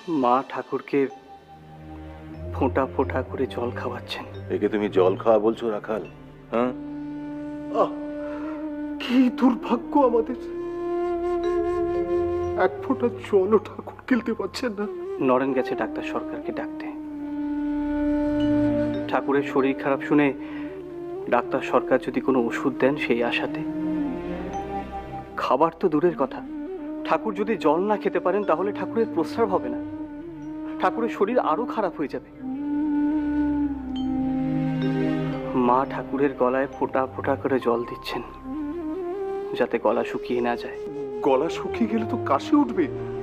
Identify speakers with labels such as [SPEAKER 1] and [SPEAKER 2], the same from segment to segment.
[SPEAKER 1] মা ঠাকুরকে ফোঁটা ফোঁটা করে জল খাওয়াচ্ছেন।
[SPEAKER 2] একে তুমি জল খাওয়া বলছো রাখাল? হ্যাঁ,
[SPEAKER 3] কি দুর্ভাগ্য আমাদের, এক ফোঁটা জলও ঠাকুর খেলতে পারছেন না।
[SPEAKER 1] নরেন গেছে ডাক্তার সরকারকে ডাকতে। ঠাকুরের শরীর খারাপ শুনে ডাক্তার সরকার যদি কোনো ওষুধ দেন সেই আশাতে। খাবার তো দূরের কথা, ঠাকুর যদি জল না খেতে পারেন তাহলে ঠাকুরের প্রস্রাব হবে না, ঠাকুরের শরীর আরো খারাপ হয়ে যাবে। মা ঠাকুরের গলায় ফোঁটা ফোঁটা করে জল দিচ্ছেন যাতে গলা শুকিয়ে না যায়।
[SPEAKER 3] গলা শুকিয়ে গেলে তো কাশি উঠবে।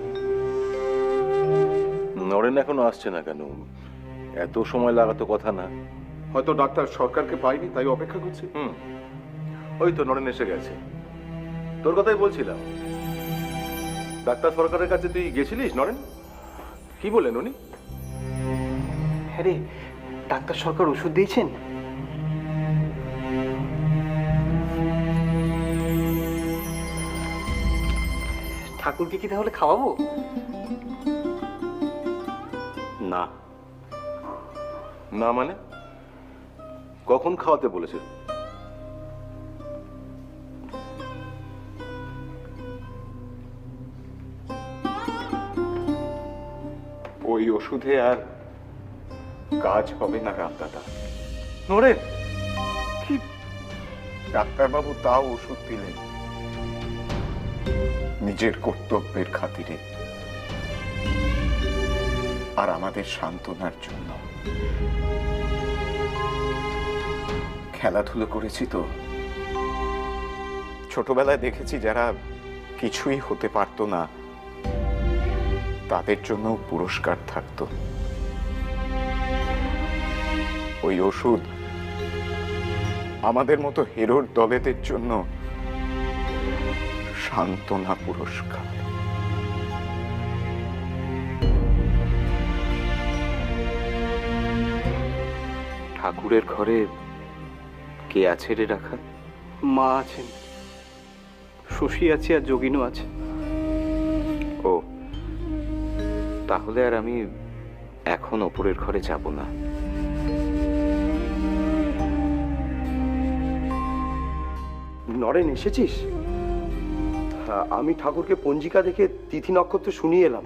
[SPEAKER 2] নরেন এখনো আসছে না কেন? এত সময় লাগাতো কথা না।
[SPEAKER 3] হয়তো ডাক্তার সরকারকে পাইনি, তাই অপেক্ষা করছে।
[SPEAKER 2] ওই তো নরেন এসে গেছে। তোর কথাই বলছিলাম, ডাক্তার সরকারের কাছে তুই গেছিলিস নরেন? কি বললেন উনি?
[SPEAKER 1] হ্যাঁ রে, ডাক্তার সরকার ওষুধ দিয়েছেন। ঠাকুরকে কি তাহলে খাওয়াবো?
[SPEAKER 2] না। না মানে? কখন খাওয়াতে বলেছে?
[SPEAKER 4] ওই ওষুধে আর কাজ হবে না রামদাদা।
[SPEAKER 2] নরেন,
[SPEAKER 4] কি ডাক্তারবাবু তাও ওষুধ দিলেন নিজের কর্তব্যের খাতিরে আর আমাদের সান্ত্বনার জন্য। খেলাধুলো করেছি তো, ছোটবেলায় দেখেছি যারা কিছুই হতে পারতো না তাদের জন্য পুরস্কার থাকতো। ওই ওষুধ আমাদের মতো হিরোর দলেদের জন্য সান্ত্বনা পুরস্কার।
[SPEAKER 5] ঠাকুরের ঘরে কে আছে রে রাখা?
[SPEAKER 1] মা আছেন, শশী আছে আর যোগিনও আছে।
[SPEAKER 5] ও, তাহলে আর আমি এখন ওপরের ঘরে যাব না।
[SPEAKER 3] নরেন এসেছিস? আমি ঠাকুরকে পঞ্জিকা দেখে তিথি নক্ষত্র শুনিয়ে এলাম।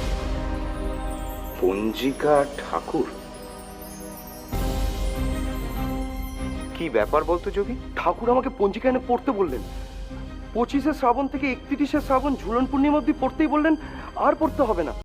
[SPEAKER 5] পঞ্জিকা ঠাকুর? কি ব্যাপার বলতো যোগী?
[SPEAKER 3] ঠাকুর আমাকে পঞ্জিকা এনে পড়তে বললেন। 25শে শ্রাবণ থেকে 31শে শ্রাবণ ঝুলন পূর্ণিমা অবধি পড়তেই বললেন, আর পড়তে হবে না।